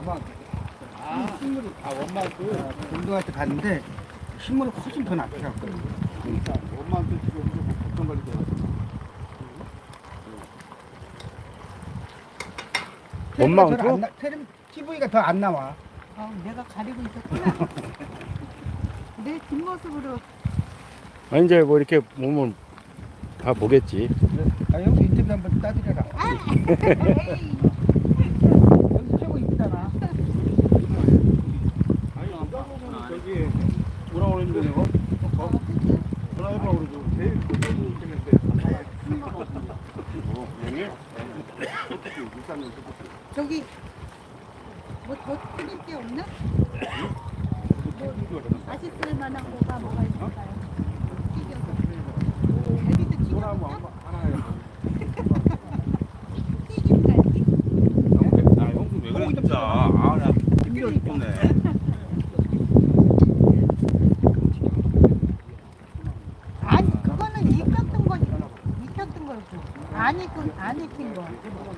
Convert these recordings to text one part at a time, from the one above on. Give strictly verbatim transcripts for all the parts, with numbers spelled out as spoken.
금방 아, 식물이 아 원마트. 운동할 때 갔는데 식물이 훨씬 더 낫더라고요. 그러니까 원마트 지금 뭐 걱정 관리 들어갔어. 원마운트? 티비가 더 안 나와. 어, 내가 가리고 있었구나. 내 뒷모습으로. 아, 이제 뭐 이렇게 보면 다 보겠지. 아, 여기 인터뷰 한번 따드려라. 아, 에이. 여기 최고 이쁘잖아. 아니 남자분은 저기 뭐라 그랬는데 내가? 어? 전화해봐 그러죠. 제일 그쪽이 있겠는데. 어, 형님? 어떻게 일단은 어떻게? 저기 뭐 더 튀길 게 없나? 뭐 맛있을 만한 거가 뭐가 있을까요? 튀겨서. 갈비도 소나무 튀겨서? 하나 하나 해요. 튀김갈비? 아 형수 왜 그래 진짜. 아나 힘들어 죽겠네. 아니 그거는 익혔던 거 익혔던 거고 안 익은 안 익힌 거.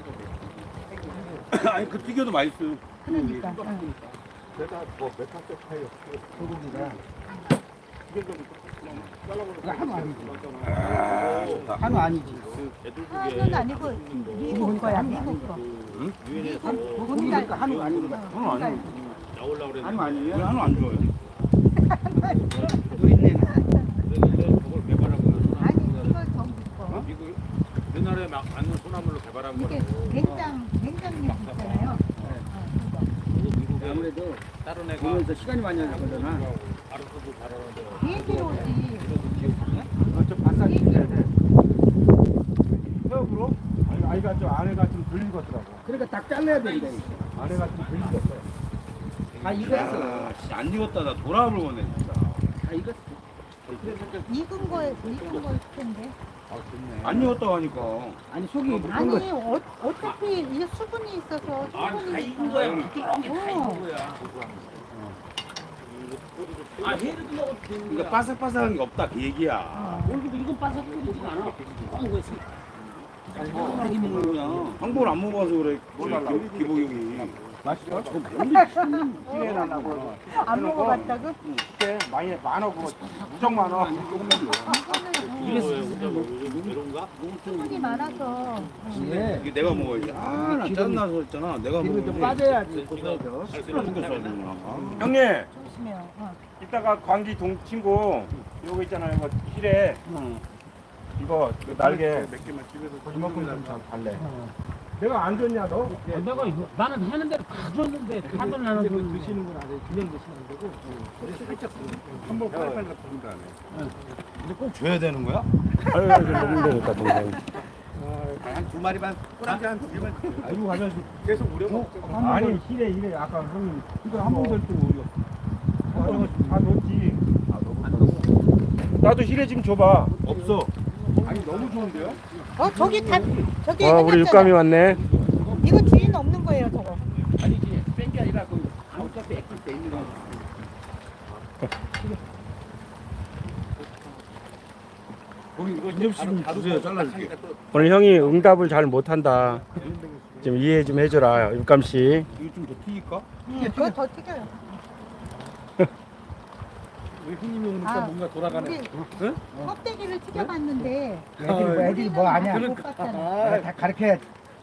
아니 그 튀겨도 맛있어요. 그러니까. 응. 내가 뭐 메타세 파이어 소고기가 이게 좀 이거 한우 아니지. 아, 좋다. 한우 아니지. 한은 아니고 미국 거야 미국 거. 응? 미국 고기 그러니까 한우 아니고. 한우 아니에요. 한우 아니에요? 한우 안 좋아요. 우리는 아니 이거 전국 거. 미국 옛날에 막 안는 소나물로 개발한 이게 거라고. 된장 된장육 있잖아요. 어, 그거. 아무래도 다른 애가 보면서 시간이 많이 나거잖아. 알아서도 잘하는데. 비행기로 오지. 저 바싹 익혀야 돼. 헤어브로? 아니 아이가 저 아내가 좀 들린 것 같더라고. 그러니까 딱 잘라야 된다. 아내가 좀 들린 것 같아. 다 익었어. 아, 씨, 안 익었다. 나 돌아볼 거네 진짜. 다 익었어. 익은 거에 익은 거일 텐데. 아 좋네. 안 익었다고 하니까. 아니 속이 익은 아니 거. 어, 어차피 이게 수분이 있어서 수분이 다 익은 거야. 그렇게 다 익은 어. 거야. 아, 해를 먹어도 되는 그러니까 거야. 바삭바삭한 게 없다 그 얘기야. 어. 모르겠도 이건 바삭거리지가 않아. 뻥 거지. 자기 먹는 거냐? 한국을 안 먹어서 그래. 기- 기복이 형이. 맛있어? 기회 나려고. 안 먹어봤다고? 그때 많이 많아 그거 무정 많아. 이래서 이런가? 수분이 많아서. 예. 이게 내가 먹어야지. 아나 짜증나서 했잖아. 내가 기름 좀 먹어야지. 빠져야지. 그거죠. 술을 생겼어야 되구나. 형님, 조심해요. 어. 이따가 광기 동 친구 요거 있잖아요. 이거 힐에 이거 그 날개 몇 개만 집에서 이만큼 좀 달래. 내가 안 줬냐 너? 내가 이거- 나는 하는 대로 다 줬는데 다들 나는 근데 그 줬는데. 드시는 건 아니에요. 그냥 드시면 안 되고. 살짝 한번 빨리빨리 부른 다음에. 근데 꼭 줘야 되는 거야? 아유, 먹는 되니까 동생. 한 두 마리만 꼬랑지 한 두 개만. 아이고 가면 계속 우려 먹죠. 아니 힐에 힐에 아까 형님 이거 한번 절도 우려. 다 넣었지. 나도 힐에 좀 줘봐. 없어. 아니 너무 좋은데요? 어 저기 다 저기 와, 우리 해놨잖아. 육감이 왔네. 이거 주인 없는 거예요 저거. 아니지. 뺀 게 아니라 그 어차피 액기스 돼 있는 거. 거기 이거 김접시 좀 바로- 주세요. 바로 잘라줄게. 딱 오늘 형이 응답을 잘 못한다. 좀 이해 좀 해줘라, 육감 씨. 이거 좀 더 튀길까? 응, 그거 더 튀겨요. 우리 형님이 오니까 아, 뭔가 돌아가네. 우리 껍데기를 튀겨봤는데 애들이 뭐 애들이 뭐 아냐. 못 봤잖아. 내가 다 가르쳐야지.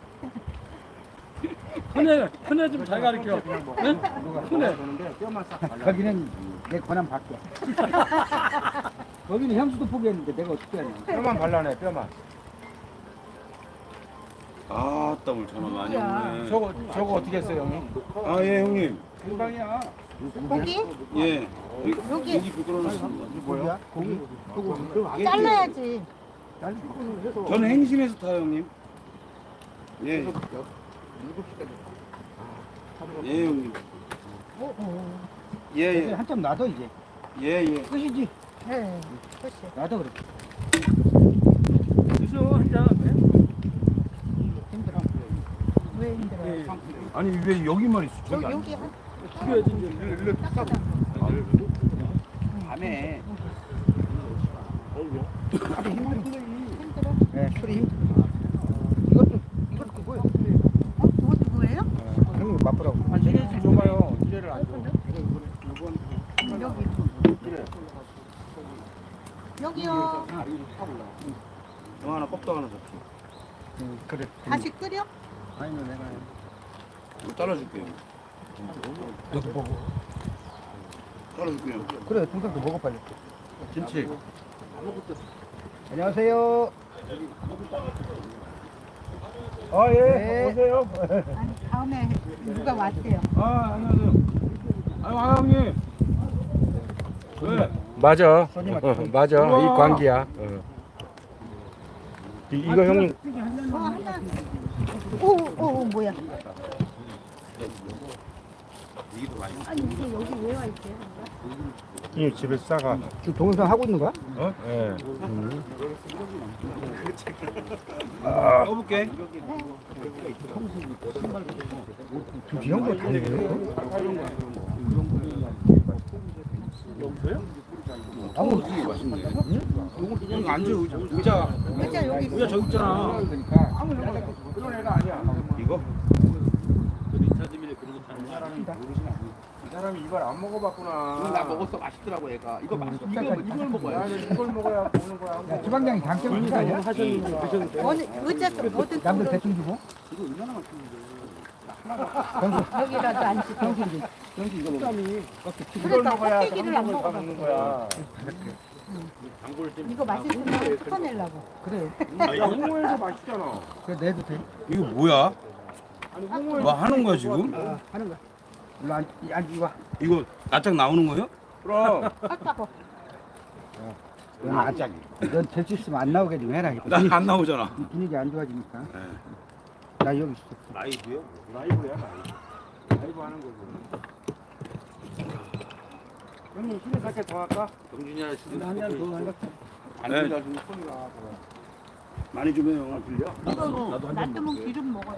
큰애 큰애 좀 잘 가르쳐. 응? 그래. 그런데 뼈만 싹 발라. 거기는 내 권한 받게. 거기는 향수도 포기했는데 내가 어떻게 하냐. 뼈만 발라내, 뼈만. 아, 땀을 전화 많이 누구야? 오네. 저거 저거 어떻게 했어요, 형님? 아, 예, 형님. 금방이야. 고기 예. 여기. 고기 부끄러웠습니다. 뭐야? 고기? 고기. 잘라야지. 저는 행심에서 타요, 형님. 예. 예, 형님. 오, 오. 예, 예. 한참 놔둬 이제. 예, 예. 끝이지. 네. 그렇지. 놔둬 그래. 그래서 한잔 힘들어. 왜 힘들어요? 아니 왜 여기만 있어? 여기 여기 한 튀겨야지 이제. 일로 뚝 싸고. 밤에. 힘들어. 네, 술이 힘들어. 이것도 이것도 그거요. 어? 그것도 그거예요? 형님 맛보라고. 아, 이게 이래 좀 줘봐요. 이래를 안 줘. 여기. 여기요. 너 하나 껍질 하나 잡지. 응, 그래. 다시 끓여? 아니면 내가 이거 잘라줄게요. 여기 보고. 잘라줄게요. 그래, 동생도 먹어 빨리. 김치. 안녕하세요. 아 예. 네. 오세요. 아니 다음에 누가 왔대요. 아 안녕하세요. 아유 아 형님. 네. 맞아. 손님한테 어, 맞아. 이 관계야. 어. 이, 이거 형님 어 하나. 오오 오, 뭐야? 아니 이게 여기 왜 와 있대? 이 집에 싸가. 지금 동영상 하고 있는 거야? 어? 예. 떠볼게. 이 형도 다 해요? 아무 이거 앉아 의자. 의자. 의자 여기 있어. 의자 저기 있잖아. 그런 애가 아니야. 이거? 리차드밀에 그런 거 타는 사람이 이 사람이 이걸 안 먹어봤구나. 이거 나 먹었어. 맛있더라고 얘가. 이거 맛있어. 이거 이걸 먹어야 야, 돼. 이걸 먹어야 보는 거야. 야, 주방장이 당첨 있는 거 아니야? 어느 의자 좀 어떤 남들 쪽으로 대충 주고. 여기라도 앉지. 이걸 그러니까 먹어야 껍데기를 안 다 먹어봐. 먹는 거야. 이거 맛있으면 섞어내려고. 그래. 야, 홍어에서 맛있잖아. 그래 내도 돼. 이거 뭐야? 아니, 홍어에서 뭐 하는 거야 지금? 아, 하는 거야. 일로 앉, 앉지 와. 이거 낯짝 나오는 거예요? 그럼. 깎아고. 넌 아짝. 넌될 수 있으면 안 나오게 좀 해라. 나 안 나오잖아. 이 분위기 안 좋아지니까. 네. 나 여기 있어. 라이브요? 라이브야, 라이브. 라이브 하는 거고. 형님, 술에 살게 더 할까? 경준이 아저씨도 한잔더 할까? 안 들려 지금 소리가 많이 좀 해요. 들려? 이거 놔두면 기름 먹어요.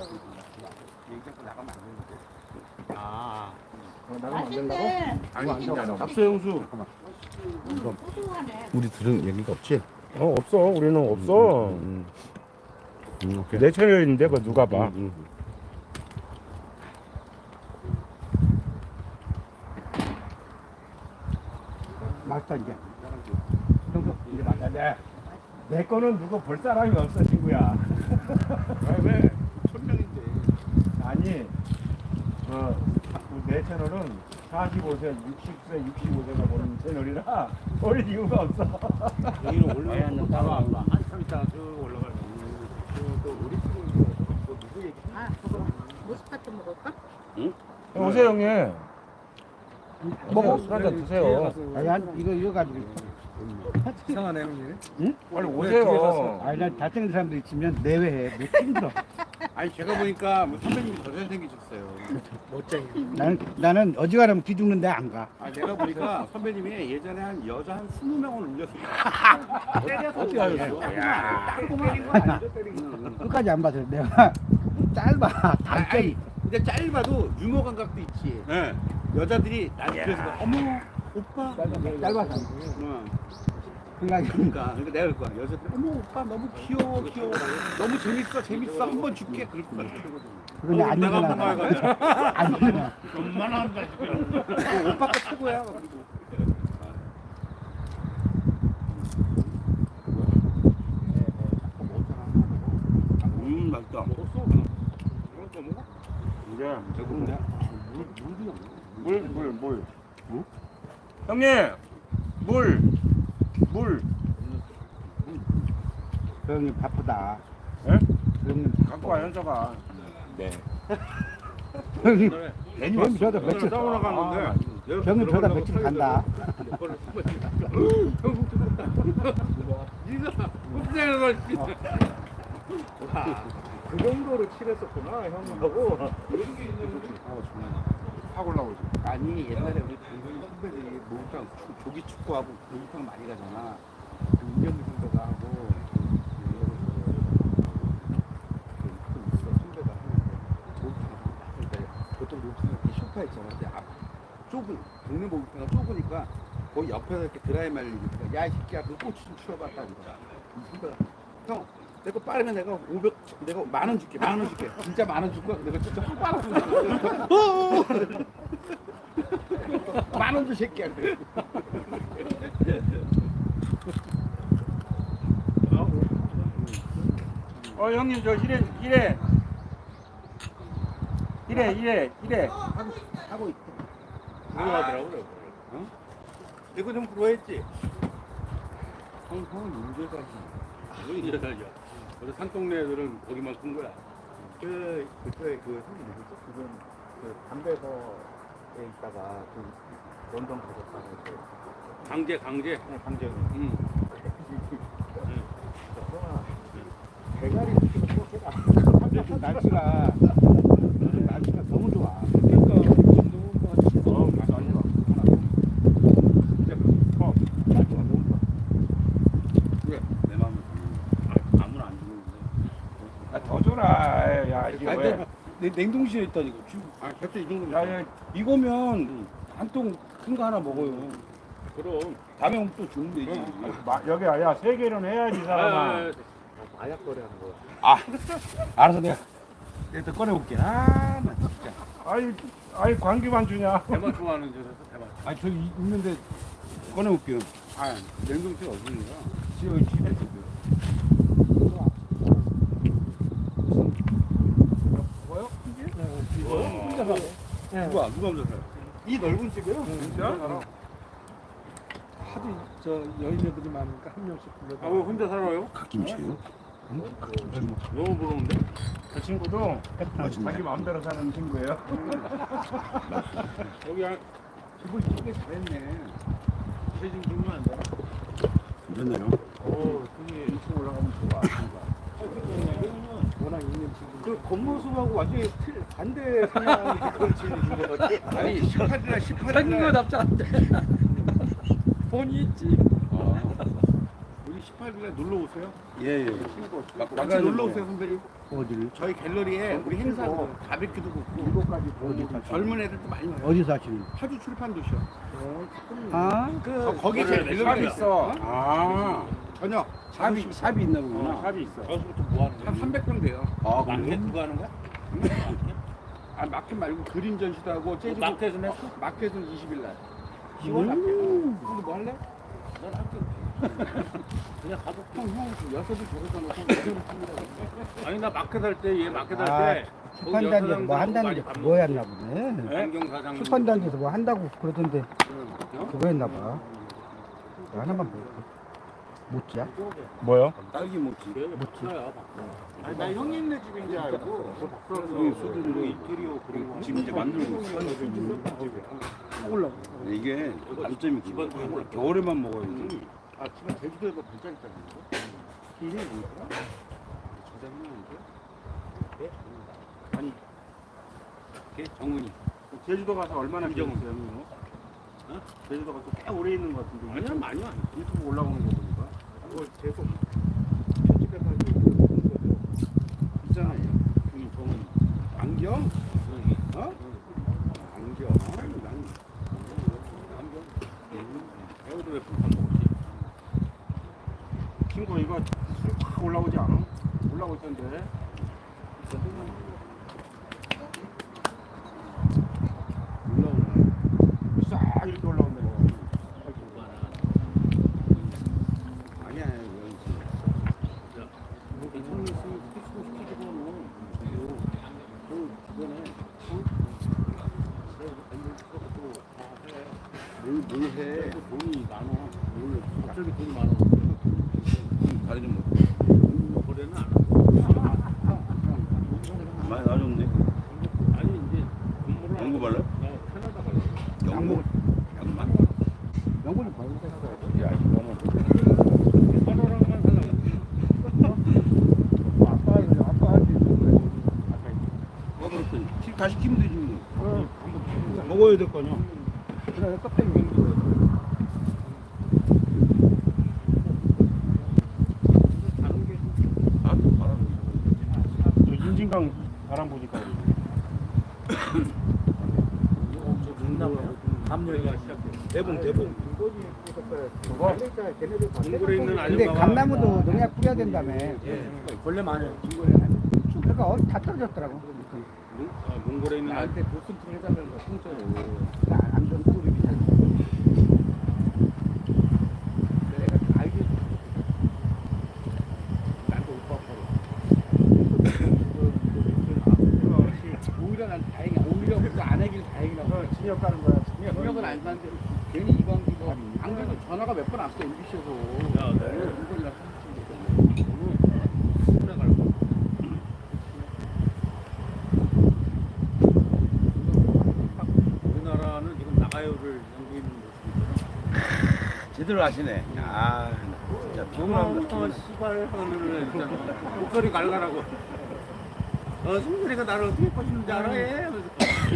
아 맛있네. 잡수 형수. 고소하네. 우리 들은 얘기가 없지? 어, 없어. 우리는 없어. 음, 음, 오케이. 내 채널인데, 뭐, 누가 봐. 음, 맛있다 이제. 형도 이제 맛있다. 내, 내 거는 누구 볼 사람이 없어, 친구야. 왜? 천명인데. 아니, 어, 내 채널은 사십오 세, 육십 세, 육십오 세가 보는 채널이라 볼 이유가 없어. 여기는 올라가야 또 따로 안 봐. 한참 있다가 쭉 올라갈 거야. 아, 모스파트 먹을까? 오세요, 형님. 먹어. 술 한잔 드세요. 아니 한 이거 이거 가지고. 이상하네 형님. 빨리 오세요. 아니 난 잘생긴 사람들 있으면 내외해. 못 힘들어. 아니 제가 보니까 뭐 선배님이 더 잘생기셨어요. 나는 나는 어지간하면 기죽는데 안 가. 아 내가 보니까 선배님이 예전에 한 여자 한 스무 명을 울렸어요. 어떻게 하셨어? 끝까지 안 봐서 내가 짧아. 단점이. 아니, 근데 짧아도 유머 감각도 있지. 네. 여자들이 나한테 그래서 막, 어머 오빠. 짧아서. 응. 생각이. 그러니까, 그러니까 내가 그럴 거야. 여자들 어머 오빠 너무 귀여워 귀여워. 너무 재밌어 재밌어 한 번 줄게 그럴 거야. 그런데 안 내가 한번 일어나. 가가지고 안 일어나. 얼마나 한다 지금. 어, 오빠가 최고야. 그리고. 음 맛있다. 먹었어? 먹었어 먹어? 이제 배고픈데? 물, 물, 물. 물? 형님, 물, 물. 그 형님 바쁘다. 예? 그 형님 갖고 와 현서가. 네. 형님 괜히 형님 저도 며칠 싸우러 갔는데. 형님 저도 며칠 간다. 니가 헛생각을 그 정도로 칠했었구나 형님하고. 확 올라오지. 아니 옛날에 우리 당근이 선배들이 목욕탕 축- 조기 축구하고 목욕탕 많이 가잖아. 그 이경규 선배가 하고 그 있어 선배가 하는데 목욕탕 그러니까 보통 목욕탕 이렇게 소파 있잖아. 근데 앞 좁은 동네 목욕탕가 좁으니까 거기 옆에서 이렇게 드라이 말리니까 야 이 새끼야 그 꼬치 좀 치워봤다고 그러더라. 이 선배가 형 내거 빠르면 내가 오백 내가 만 원 줄게. 만 원 줄게. 진짜 만 원 줄 거야. 내가 진짜 확 빨았어. 만 원 줄 새끼야. 그래. 어 형님 저 히레 히레 히레 히레 히레 하고 있대. 부러워하더라고요. 어? 이거 좀 부러워했지. 형, 형은 인제 살지. 왜 인제 살죠? 우리 산동네 애들은 거기만 큰 거야. 그 그때 그 형이 누구죠? 그분 그 담배서에 있다가 그 런던 가셨다고 했어요. 강제, 강제. 네, 강재훈. 응. 대가리 지금 날씨가 날씨가 너무 좋아. 그러니까 어 맞아 진짜 어 날씨가 너무 좋아. 그래, 내 마음을 아, 아무나 안 주는데. 아더 줘라 야 이게 아니, 왜 내 냉동실에 있다니까. 아 곁에 이 정도. 야, 야, 이거면 한 통 큰 거 하나 먹어요. 그럼. 다음에 오면 또 주면 되지. 마, 여기 야세 개는 해야지 이 사람아. 아, 마약 거래하는 거야. 아, 알아서 내가 내가 또 꺼내볼게. 아, 나 진짜. 아이 아이 관계만 주냐? 대만 좋아하는 데서 대만. 아니 저기 있는데 꺼내볼게요. 아, 냉동실 어디 있는 거야? 집에 집에 있어요. 뭐요? 혼자 사. 누가 누가 혼자 사요? 이 넓은 집이요? 진짜? 하도 저 여인 애들이 많으니까 한 명씩 불러서. 아, 왜 혼자 살아요? 갓김치요? 너무 부러운데? 그 친구도 자기 마음대로 사는 친구예요. 여기 한 집을 이쁘게 잘했네. 세진 주면 안 되나? 괜찮나요? 어, 그게 이쪽 올라가면 좋아. 워낙 있는 집. 그 겉모습하고 완전히 틀 반대 성향의 그런 집이 있는 것 같아. 아니 십팔 일날 십팔 일날 답지 않대. 본이 있지. 우리 십팔 일날 놀러 오세요. 예 예. 같이 놀러 오세요 선배님. 어디를? 저희 갤러리에 우리 행사도 바베큐도 굽고 일곱까지 어디 사? 젊은 애들도 많이 와요. 어디 사시는? 파주 출판 도시요. 아, 그 거기 그래, 제일 샵이 갤러리 있어. 아, 저녁 삽이 삽이 있나 어, 보구나. 샵이 있어. 여기서부터 뭐 하는 거야? 한 삼백 명 돼요. 아, 마켓 그거 하는 거야? 아 마켓 말고 그림 전시도 하고 재즈 마켓은 했어? 마켓은 이십 일 날. 시월 마켓. 근데 뭐 할래? 난 할게. 그냥 가서 형, 형, 여섯이 저러잖아. 형, 여섯을 씁니다. 아니 나 마켓 할 때 얘 마켓 할 아, 때 출판단지에서 뭐 한다는 게 그거였나 보네. 안경 사장 출판단지에서 뭐 한다고 그러던데 어? 그거였나 봐. 하나만 볼게. 못지야? 뭐요? 딸기 모찌. 아니, 나 형님네 집인 줄 알고. 여기 소들도 인테리어 그리고 지금 이제 만들고 있어. 올라. 이게 단점이 기본 겨울에만 먹어야지. 아, 지금 제주도에서 반짝 있다는 거? 이름이 뭐더라? 네? 아니 걔 정은이 제주도 가서 얼마나 김정은. 계셨어요, 형님? 어? 제주도 가서 꽤 오래 있는 것 같은데. 아니야 많이 안 했어. 유튜브 올라오는 거 보니까. 그걸 계속 편집해서 하고 있잖아요 형님 정은이 안경? 어? 안경. 난 안경 배우도 왜 불판 먹었지? 친구 이거 쑥 올라오지 않아? 올라오고 있던데. 올라오네 싹 이렇게 올라온다. 아니야, 뭐 괜찮은 거 있으면 피스고 시키고 뭐 그 그거네 뭘, 뭘 해? 돈이 많아 뭘 갑자기 돈이 많아 다리 좀 먹. 거래는 안 하고 많이 나아졌네. 아니 이제 공부를 연구 발라? 나 캐나다 갈래 양복, 양만. 영분을 봐야 돼. 야, 이거는 하나랑만 살라고 아빠 아빠한테 뭐 그렇더니 시- 다 시키면 되지 뭐. 먹어야 될 거 아니야. 그래 껍데기. 다른 게 아, 또 바람. 저 인진강 바람 보니까. 저 눈나봐요 합류가 시작돼. 대봉 대봉. 그거 동굴에 있는 근데 아줌마가 감나무도 농약 뿌려야 된다며. 원래 많아요. 그러니까 어디 다 떨어졌더라고. 몽- 아, 몽골에 있는 아, 나한테 보스팅 해달라는 거 통째로. 안전 꿀이 비싸. 내가 다 알게 해줬어. 나한테 오빠 아빠로. 오히려 난 다행이야. 오히려 그거 안 하길 다행이라고. 진역 가는 거야. 능력은 안 사는데 괜히 이광기 뭐안 그래도 전화가 몇 번 왔어 엠비씨에서. 야, 네. 이거랑 손에 갈고. 우리나라는 지금 나가요를 연구 있는 모습이잖아. 제대로 하시네. 아 진짜 피곤합니다. 아, 씨발 하면은 진짜 목소리 갈가라고. 어, 승준이가 나를 어떻게 꼬시는지 알아? 해? 하면서.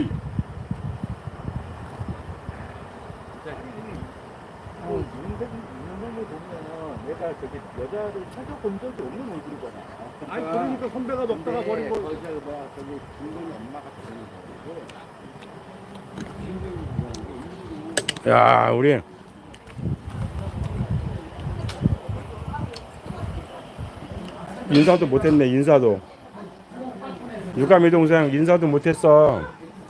뭐 윤대 윤대를 보면 내가 저기 여자를 찾아본 적이 없는 얼굴이잖아. 아니 그러니까 선배가 먹다가 버린 거. 거기서 뭐야 저기 중동이 엄마가 되는 거고. 야, 우리 인사도 못했네. 인사도. 유감이 동생 인사도 못했어.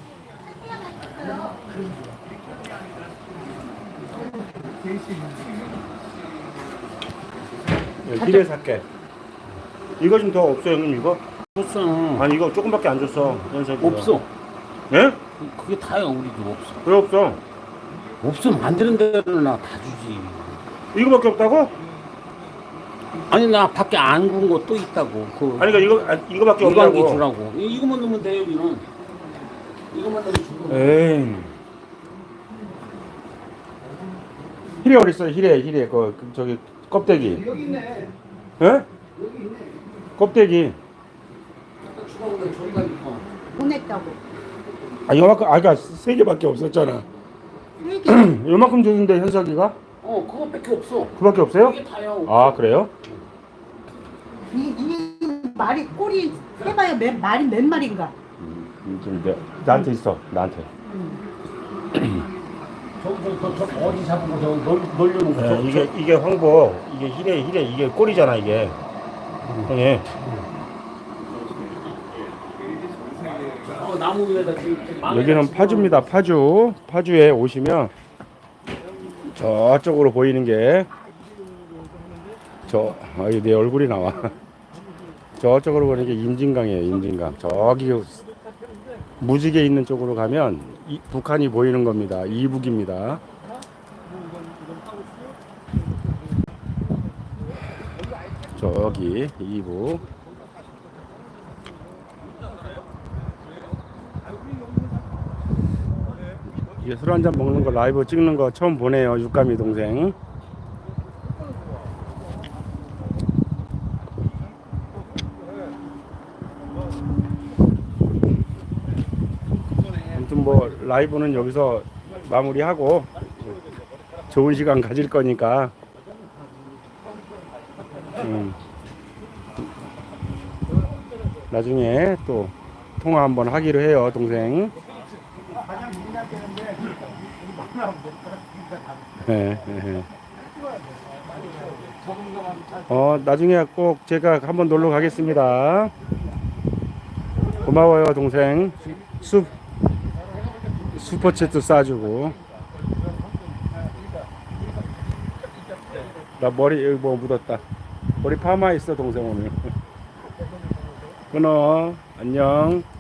기대 살게. 이거 좀 더 없어 형님 이거? 없어. 아니 이거 조금밖에 안 줬어. 연석이. 없어. 예? 그게 다야 우리도 없어. 왜 없어? 없으면 만드는 대로 나 다 주지. 이거밖에 없다고? 아니 나 밖에 안 구운 거 또 있다고. 그 아니 그러니까 이거 아, 이거밖에 이광기 없다고. 주라고. 이- 이거만 넣으면 돼 여기는. 이거만 넣으면 주고. 에이. 히레 어디 있어? 히레 히레 그, 그 저기 껍데기. 여기 있네. 예? 여기 있네. 껍데기. 주라고 저리가 있고. 보냈다고. 아 요만큼 아까 세 개밖에 없었잖아. 이게 요만큼 줬는데 현석이가 어 그거밖에 없어. 그밖에 없어요? 이게 다야. 아 그래요? 이, 이 말이 꼬리 해봐야 몇 말이 몇 마리인가. 음, 좀 내, 나한테 있어 나한테. 저저저 저, 어디 잡은 거 저거 놀 놀려는 거. 예, 저, 이게 이게 황보 이게 히레 히레 이게 꼬리잖아 이게. 형님. 어, 나무 위에다 지금 망- 여기는 파주입니다. 파주. 파주에 오시면 저쪽으로 보이는 게 저, 아유, 내 얼굴이 나와. 저쪽으로 보이는 게 임진강이에요. 임진강. 저기 무지개 있는 쪽으로 가면 이, 북한이 보이는 겁니다. 이북입니다. 저기 이북. 이게 술 한잔 먹는 거 라이브 찍는 거 처음 보네요. 육감이 동생. 아무튼 뭐 라이브는 여기서 마무리하고 좋은 시간 가질 거니까 음, 나중에 또 통화 한번 하기로 해요, 동생. 네, 네. 어, 나중에 꼭 제가 한번 놀러 가겠습니다. 고마워요, 동생. 수, 슈퍼챗도 쏴주고. 나 머리, 여기 뭐 묻었다. 머리 파마 있어, 동생 오늘. 끊어. 안녕.